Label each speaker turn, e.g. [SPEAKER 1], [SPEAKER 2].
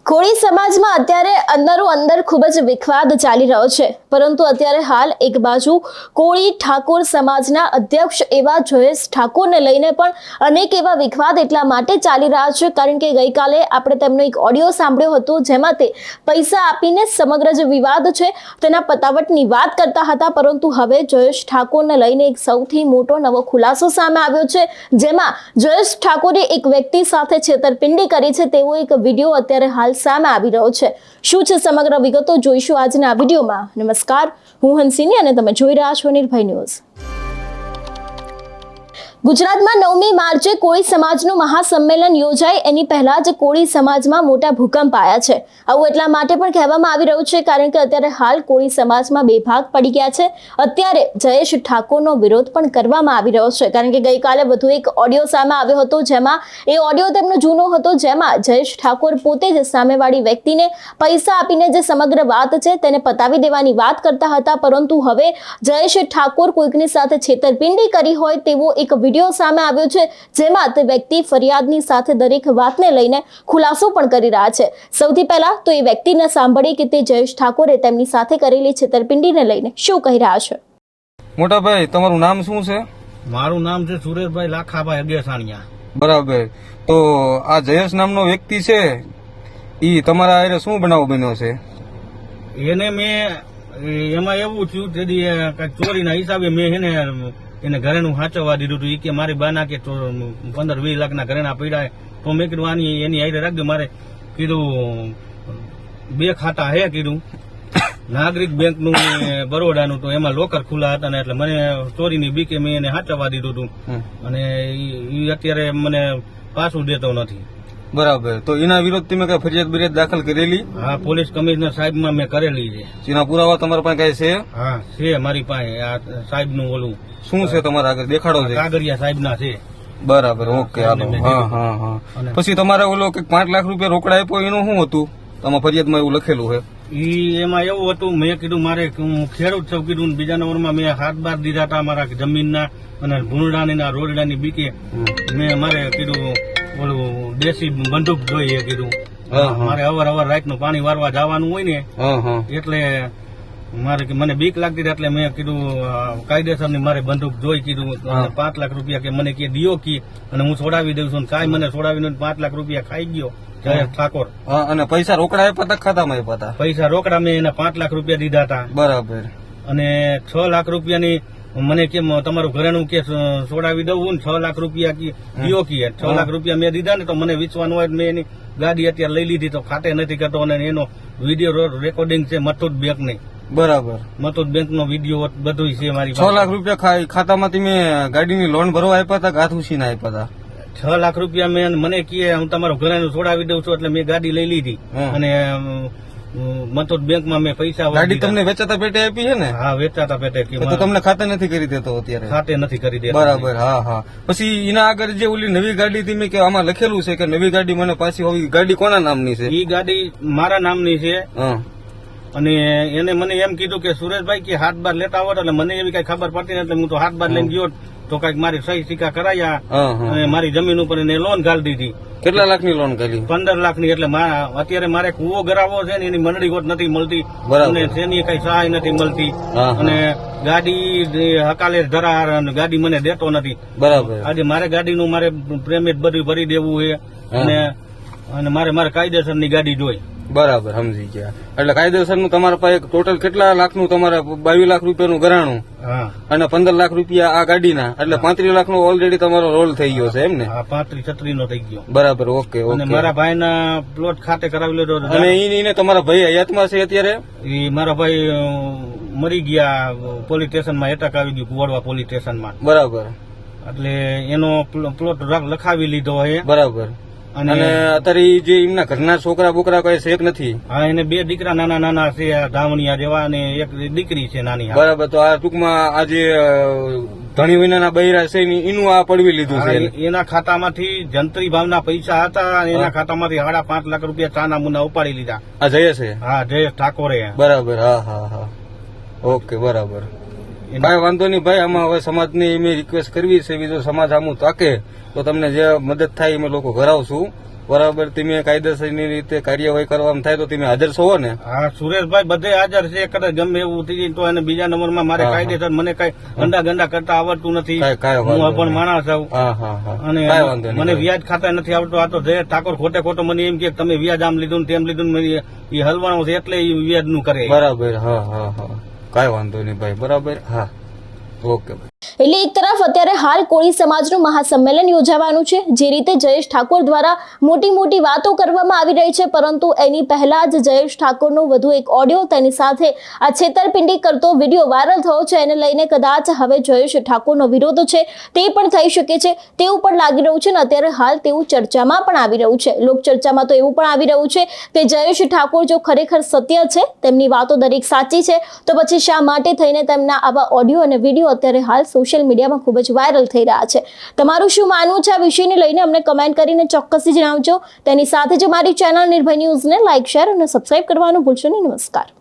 [SPEAKER 1] કોળી સમાજમાં અત્યારે અંદરો અંદર ખૂબ જ વિખવાદ ચાલી રહ્યો છે, પરંતુ અત્યારે હાલ એક બાજુ કોળી ઠાકોર સમાજના અધ્યક્ષ એવા જયેશ ઠાકોરને લઈને પણ અનેક એવા વિખવાદ એટલા માટે ચાલી રહ્યા છે કારણ કે ગઈકાલે આપણે તેમનો એક ઓડિયો સાંભળ્યો હતો જેમાં તે પૈસા આપીને સમગ્ર જે વિવાદ છે તેના પતાવટની વાત કરતા હતા, પરંતુ હવે જયેશ ઠાકોરને લઈને એક સૌથી મોટો નવો ખુલાસો સામે આવ્યો છે, જેમાં જયેશ ઠાકોરે એક વ્યક્તિ સાથે છેતરપિંડી કરી છે તેવો એક વિડીયો અત્યારે હાલ સામે આવી રહ્યો છે। શું છે સમગ્ર વિગતો જોઈશું આજના આ વિડીયોમાં। નમસ્કાર, હું હંસિની અને તમે જોઈ રહ્યા છો નિર્ભય ન્યૂઝ। ગુજરાતમાં 9મી માર્ચે કોળી સમાજનું મહાસંમેલન યોજાય એની પહેલા જ કોળી સમાજમાં મોટા ભૂકંપ આવ્યા છે। આવું એટલા માટે પણ કહેવામાં આવી રહ્યું છે કારણ કે અત્યારે હાલ કોળી સમાજમાં બે ભાગ પડી ગયા છે। અત્યારે જયેશ ઠાકોરનો વિરોધ પણ કરવામાં આવી રહ્યો છે કારણ કે ગઈકાલે વધુ એક ઓડિયો સામે આવ્યો હતો જેમાં એ ઓડિયો તેમનો જૂનો હતો, જેમાં જયેશ ઠાકોર પોતે જ સામેવાળી વ્યક્તિને પૈસા આપીને જે સમગ્ર વાત છે તેને પતાવી દેવાની વાત કરતા હતા, પરંતુ હવે જયેશ ઠાકોર કોઈકની સાથે છેતરપિંડી કરી હોય તેવો એક વિડીયો સામે આવ્યો છે જેમાં તે વ્યક્તિ ફરિયાદની સાથે દરેક વાતને લઈને ખુલાસો પણ કરી રહ્યા છે। સૌથી પહેલા તો એ વ્યક્તિને સાંભળીએ કે તે જયેશ ઠાકોરે તેમની સાથે કરેલી છેતરપિંડીને લઈને શું કહી રહ્યા છે।
[SPEAKER 2] મોટા ભાઈ, તમારું નામ શું છે?
[SPEAKER 3] મારું નામ છે સુરેશભાઈ લાખાભાઈ અગેસાણિયા।
[SPEAKER 2] બરાબર, તો આ જયેશ નામનો વ્યક્તિ છે ઈ તમારા હારે શું બનાવ બન્યો છે?
[SPEAKER 3] એને મેં એમાં એવું થયું તેથી કઈક ચોરીના હિસાબે મેં એને ઘરેનું સાચવવા દીધું હતું। એ કે મારી બાના કે 15-20 લાખના ઘરેના પડ્યા, તો મેં કીધું આની એની હારે રાખજો। મારે કીધું 2 ખાતા હે કીધું, નાગરિક બેંકનું ને બરોડાનું, તો એમાં લોકર ખુલ્લા હતા ને એટલે મને ચોરીની બીકે મેં એને સાચવવા દીધું હતું અને એ અત્યારે મને પાછું દેતો નથી।
[SPEAKER 2] બરાબર, તો એના વિરોધ તમે કઈ ફરિયાદ દાખલ કરેલી?
[SPEAKER 3] હા, પોલીસ કમિશનર સાહેબમાં મેં કરેલી છે।
[SPEAKER 2] એના પુરાવા તમારા પાસે કઈ છે?
[SPEAKER 3] હા છે મારી પાસે, આ સાહેબનું ઓલું
[SPEAKER 2] શું છે તમારા આગળ દેખાડો છે?
[SPEAKER 3] કાગળિયા સાહેબના છે।
[SPEAKER 2] બરાબર, ઓકે, હાલો। હા હા હા, પછી તમારે ઓલો કે 5 લાખ રૂપિયા રોકડા આપ્યો એનું શું હતું? તમારા ફરિયાદમાં એવું લખેલું છે?
[SPEAKER 3] એમાં એવું હતું, મેં કીધું મારે હું ખેડૂત છું કીધું, બીજા નંબરમાં મેં 7 બાર દીધા હતા મારા જમીનના અને ભૂંડાની રોડડાની બીકે મેં મારે કીધું ઓલું દેશી બંદૂક જોઈએ કીધું, મારે અવાર રાતનું પાણી વારવા જવાનું હોય ને એટલે મારે મને બીક લાગતી હતી એટલે મેં કીધું કાયદેસરની મારે બંદૂક જોઈ કીધું, 5 લાખ રૂપિયા કે મને કે દિયો કી અને હું છોડાવી દઉં છું, કાંઈ મને છોડાવીને 5 લાખ રૂપિયા ખાઈ ગયો જયેશ ઠાકોર।
[SPEAKER 2] અને પૈસા રોકડા આપ્યા હતા ખાતામાં આપ્યા હતા?
[SPEAKER 3] પૈસા રોકડા મેં એને 5 લાખ રૂપિયા દીધા હતા।
[SPEAKER 2] બરાબર,
[SPEAKER 3] અને 6 લાખ રૂપિયાની મને કેમ તમારું ઘરેનું કે છોડાવી દઉં ને 6 લાખ રૂપિયા દિયો કી 6 લાખ રૂપિયા મેં દીધા ને તો મને વિશ્વાસ હોય મેં એની ગાડી અત્યારે લઈ લીધી તો ખાતે નથી કરતો અને એનો વિડીયો રેકોર્ડિંગ છે મથુટ બેંક ની। બરાબર, મથુટ બેંક નો વિડીયો બધું છે મારી પાસે।
[SPEAKER 2] 6 લાખ રૂપિયા ખાતામાં તમે ગાડીની લોન ભરવા આપ્યા હતા કે હાથ ઉછીને આપ્યા હતા?
[SPEAKER 3] 6 લાખ રૂપિયા મેં મને કહે હું તમારું ઘરેનું છોડાવી દઉં છું એટલે મેં ગાડી લઈ લીધી અને મથુટ બેંકમાં મેં પૈસા
[SPEAKER 2] ગાડી તમને વેચાતા પેટે આપી છે ને?
[SPEAKER 3] હા, વેચાતા પેટે।
[SPEAKER 2] તો તમને ખાતે નથી કરી દેતો અત્યારે?
[SPEAKER 3] ખાતે નથી કરી દેતો।
[SPEAKER 2] બરાબર, હા હા। પછી એના આગળ જે ઓલી નવી ગાડી તમે કે આમાં લખેલું છે કે નવી ગાડી મને પાછી હોવી, ગાડી કોના નામની છે?
[SPEAKER 3] એ ગાડી મારા નામની છે અને એને મને એમ કીધું કે સુરેશભાઈ કે 7 બાર લેતા હોત એટલે મને એવી કઈ ખબર પડતી નથી, હું તો 7 બાર લઈને ગયો તો કઈક મારી સહી સિક્કા કરાયા અને મારી જમીન ઉપર એને લોન ઘાલી દીધી।
[SPEAKER 2] કેટલા લાખની લોન કરી? 15
[SPEAKER 3] લાખની। એટલે અત્યારે મારે કૂવો ગરાવો છે ને એની મંડળી હોત નથી મળતી અને તેની કઈ સહાય નથી મળતી અને ગાડી હકાલે ધરાર અને ગાડી મને દેતો નથી।
[SPEAKER 2] બરાબર,
[SPEAKER 3] આજે મારે ગાડીનું મારે પ્રેમેટ બધું ભરી દેવું છે અને મારે કાયદેસરની ગાડી જોઈ।
[SPEAKER 2] બરાબર, સમજી ગયા। એટલે કાયદેસર નું તમારા પાસે ટોટલ કેટલા લાખનું તમારા 22 લાખ રૂપિયાનું ઘરાણું અને 15 લાખ રૂપિયા આ ગાડીના, એટલે 35 લાખનો ઓલરેડી તમારો રોલ થઈ ગયો છે એમ ને?
[SPEAKER 3] 35-36 નો થઈ ગયો।
[SPEAKER 2] બરાબર, ઓકે ઓકે।
[SPEAKER 3] અને મારા ભાઈના પ્લોટ ખાતે કરાવી લીધો
[SPEAKER 2] અને એને તમારા ભાઈ હયાતમાં છે અત્યારે?
[SPEAKER 3] એ મારા ભાઈ મરી ગયા, પોલીસ સ્ટેશનમાં એટેક આવી ગયું કુવાડવા પોલીસ સ્ટેશનમાં।
[SPEAKER 2] બરાબર,
[SPEAKER 3] એટલે એનો પ્લોટ લખાવી લીધો છે।
[SPEAKER 2] બરાબર, અને અત્યારે જે એમના ઘરના છોકરા બોકરા કઈ છે નથી?
[SPEAKER 3] હા, એને 2 દીકરા નાના છે ધાવણિયા જેવા અને એક દીકરી છે નાની।
[SPEAKER 2] બરાબર, તો આ ટૂંકમાં આ જે ધણી વિનાના બૈરા છે એનું આ પડવી લીધું છે?
[SPEAKER 3] એના ખાતામાંથી જંત્રી ભાવના પૈસા હતા અને એના ખાતામાંથી 5.5 લાખ રૂપિયા ચાના મુના ઉપાડી લીધા।
[SPEAKER 2] આ જયેશ છે?
[SPEAKER 3] હા, જયેશ ઠાકોરે।
[SPEAKER 2] બરાબર, હા હા હા, ઓકે, બરાબર। ભાઈ વાંધો નહીં ભાઈ, આમાં હવે સમાજની મેં રિક્વેસ્ટ કરવી છે, બીજો સમાજ આમું તાકે તો તમને જે મદદ થાય અમે લોકો કરાવશું। બરાબર તમે કાયદેસરની રીતે કાર્યવાહી કરવામાં થાય તો તમે હાજર છો ને?
[SPEAKER 3] હા સુરેશભાઈ બધે હાજર છે. કદાચ ગમે એવું થઈ જાય તો એને બીજા નંબરમાં મારે કાયદેસર મને કઈ ગંડા ગંડા કરતા આવડતું નથી. હું અભણ માણસ છું અને મને વ્યાજ ખાતા નથી આવડતું. આ તો જય ઠાકોર ખોટે ખોટો મને એમ કે તમે વ્યાજ આમ લીધું ને તેમ લીધું ને એ હલવાનું છે એટલે એ વ્યાજ નું કરે.
[SPEAKER 2] બરાબર. હા હા હા કઈ વાંધો નહીં ભાઈ. બરાબર. હા ઓકે.
[SPEAKER 1] એટલે એક તરફ અત્યારે હાલ કોળી સમાજનું મહાસંમેલન યોજાવાનું છે, જે રીતે જયેશ ઠાકોર દ્વારા મોટી મોટી વાતો કરવામાં આવી રહી છે, પરંતુ એની પહેલા જ જયેશ ઠાકોરનો વધુ એક ઓડિયો, તેની સાથે આ છેતરપિંડી કરતો વિડીયો વાયરલ થયો છે. એને લઈને કદાચ હવે જયેશ ઠાકોરનો વિરોધ છે તે પણ થઈ શકે છે તેવું પણ લાગી રહ્યું છે. ને અત્યારે હાલ તેવું ચર્ચામાં પણ આવી રહ્યું છે. લોકચર્ચામાં તો એવું પણ આવી રહ્યું છે કે જયેશ ઠાકોર જો ખરેખર સત્ય છે, તેમની વાતો દરેક સાચી છે, તો પછી શા માટે થઈને તેમના આવા ઓડિયો અને વિડીયો અત્યારે હાલ સોશિયલ મીડિયામાં ખૂબ જ વાયરલ થઈ રહ્યા છે? તમારું શું માનવું છે આ વિષયને લઈને અમને કમેન્ટ કરીને ચોક્કસથી જણાવજો. તેની સાથે જ મારી ચેનલ નિર્ભય ન્યૂઝને લાઇક, શેર અને સબસ્ક્રાઇબ કરવાનું ભૂલશો નહીં. નમસ્કાર.